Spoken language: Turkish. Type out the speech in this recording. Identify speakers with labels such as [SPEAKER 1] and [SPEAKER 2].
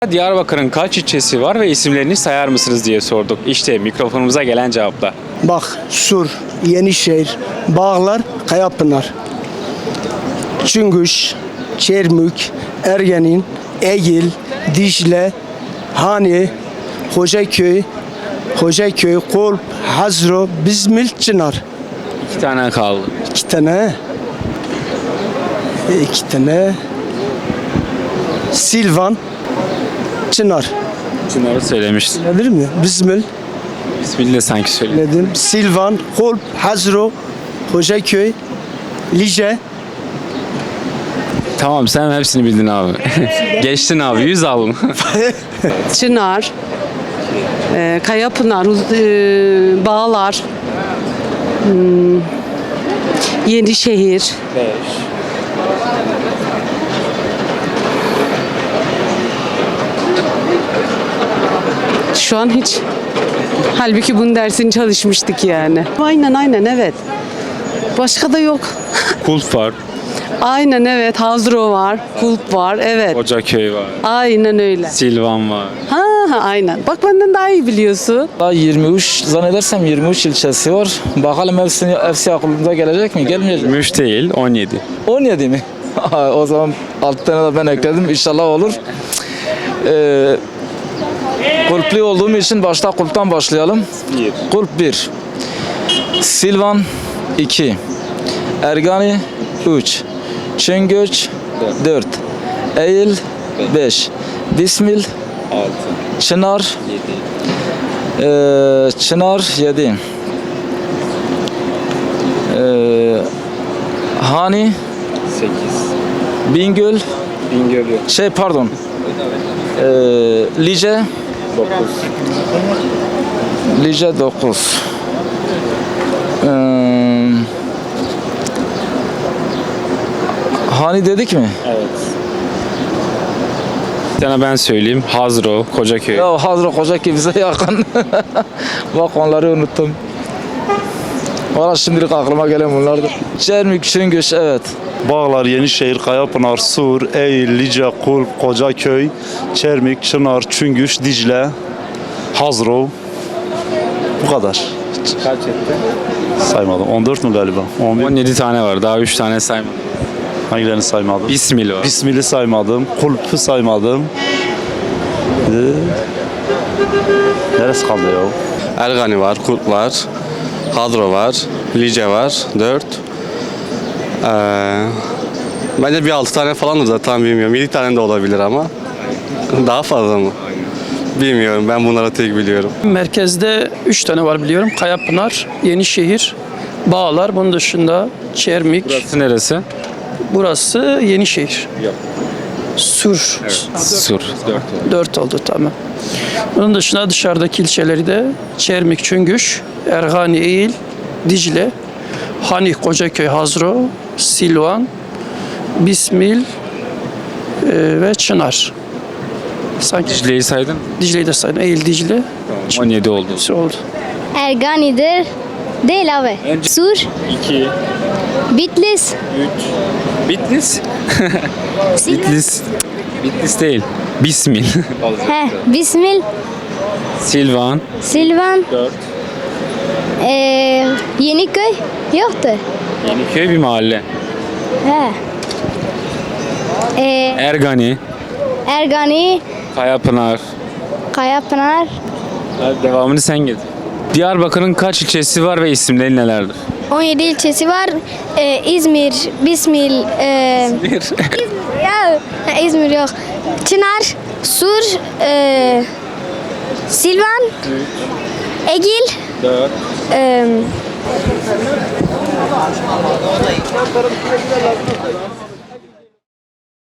[SPEAKER 1] Diyarbakır'ın kaç ilçesi var ve isimlerini sayar mısınız diye sorduk. İşte mikrofonumuza gelen cevaplar.
[SPEAKER 2] Bak, Sur, Yenişehir, Bağlar, Kayapınar, Çüngüş, Çermük, Ergenin, Egil, Dicle, Hani, Hocaköy, Kolp, Hazro, Bizmil, Çınar.
[SPEAKER 1] 2 tane kaldı.
[SPEAKER 2] İki tane. Silvan, Çınar.
[SPEAKER 1] Çınar'ı söylemiştim.
[SPEAKER 2] Nedir mi? Bizmil,
[SPEAKER 1] İsmini de sanki söyledim.
[SPEAKER 2] dedim. Silvan, Kolp, Hazro, Hocaköy, Lice.
[SPEAKER 1] Tamam, sen hepsini bildin abi. Geçtin abi, 100 aldın.
[SPEAKER 3] Çınar, Kayapınar, Bağlar, Yenişehir, şu an hiç. Halbuki bunun dersini çalışmıştık yani. Aynen evet. Başka da yok.
[SPEAKER 1] Kulp var,
[SPEAKER 3] Aynen evet. Hazro var, Kulp var. Evet.
[SPEAKER 1] Hocaköy var,
[SPEAKER 3] Aynen öyle.
[SPEAKER 1] Silvan var.
[SPEAKER 3] Ha aynen. Bak benden daha iyi biliyorsun.
[SPEAKER 4] Daha 23 zannedersem 23 ilçesi var. Bakalım hepsi aklımıza gelecek mi? Gelmeyecek mi?
[SPEAKER 1] Müş değil, 17.
[SPEAKER 4] 17 mi? O zaman 6 tane de ben ekledim. İnşallah olur. Kulpli olduğum için başta kulptan başlayalım.
[SPEAKER 1] 1.
[SPEAKER 4] Kulp 1. Silvan 2. Ergani 3. Çıngöç 4. Eğil 5. Bismil
[SPEAKER 1] 6.
[SPEAKER 4] Çınar 7. Hani
[SPEAKER 1] 8.
[SPEAKER 4] Bingöl
[SPEAKER 1] Bingöl yok.
[SPEAKER 4] Lice
[SPEAKER 1] 9.
[SPEAKER 4] Lice 9. Hani dedik mi?
[SPEAKER 1] Evet. Bir tane ben söyleyeyim. Hazro, Kocaköy.
[SPEAKER 4] Ya Hazır Kocaköy bize yakın. Bak onları unuttum. Valla şimdilik aklıma gelen bunlardır. Çermik, Çıngöç evet.
[SPEAKER 5] Bağlar, Yenişehir, Kayapınar, Sur, Eğil, Lice, Kulp, Kocaköy, Çermik, Çınar, Çüngüş, Dicle, Hazro. Bu kadar.
[SPEAKER 1] Kaç etti?
[SPEAKER 5] Saymadım. 14 mü galiba? 11.
[SPEAKER 1] 17 tane var. Daha 3 tane saymadım.
[SPEAKER 5] Hangilerini saymadım?
[SPEAKER 1] Bismil var.
[SPEAKER 5] Bismil'i saymadım. Kulp'u saymadım. Neresi kaldı ya?
[SPEAKER 6] Ergani var, Kulp var, Hadro var, Lice var, 4. Bence bir 6 tane falandır da tam bilmiyorum. 7 tane de olabilir ama. Daha fazla mı? Bilmiyorum. Ben bunları tek biliyorum.
[SPEAKER 7] Merkezde 3 tane var biliyorum. Kayapınar, Yenişehir, Bağlar. Bunun dışında Çermik.
[SPEAKER 1] Burası neresi?
[SPEAKER 7] Burası Yenişehir.
[SPEAKER 1] Yok.
[SPEAKER 7] Sur.
[SPEAKER 1] Sur. 4.
[SPEAKER 7] 4 oldu tamam. Bunun dışında dışarıdaki ilçeleri de Çermik, Çüngüş, Ergani, Eğil, Dicle, Hani, Kocaköy, Hazro, Silvan, Bismil ve Çınar. Sanki
[SPEAKER 1] Dicle'yi saydın.
[SPEAKER 7] Dicle'yi de sayın. Eğil, Dicle.
[SPEAKER 1] 17 oldu.
[SPEAKER 7] Hepsi oldu.
[SPEAKER 8] Ergani'dir. Değil abi. Sur,
[SPEAKER 1] 2,
[SPEAKER 8] Bitlis,
[SPEAKER 1] 3. Bitlis. Bitlis. Bitlis değil. Bismil.
[SPEAKER 8] Bismil,
[SPEAKER 1] Silvan.
[SPEAKER 8] Silvan,
[SPEAKER 1] 4.
[SPEAKER 8] Yeniköy yoktu.
[SPEAKER 1] Yeniköy bir mahalle.
[SPEAKER 8] He.
[SPEAKER 1] Ergani.
[SPEAKER 8] Ergani,
[SPEAKER 1] Kayapınar.
[SPEAKER 8] Kayapınar,
[SPEAKER 1] Devamını sen getir. Diyarbakır'ın kaç ilçesi var ve isimleri nelerdir?
[SPEAKER 8] 17 ilçesi var. İzmir, Bismil, İzmir yok. Çınar, Sur, Silvan, Egil,
[SPEAKER 1] 4.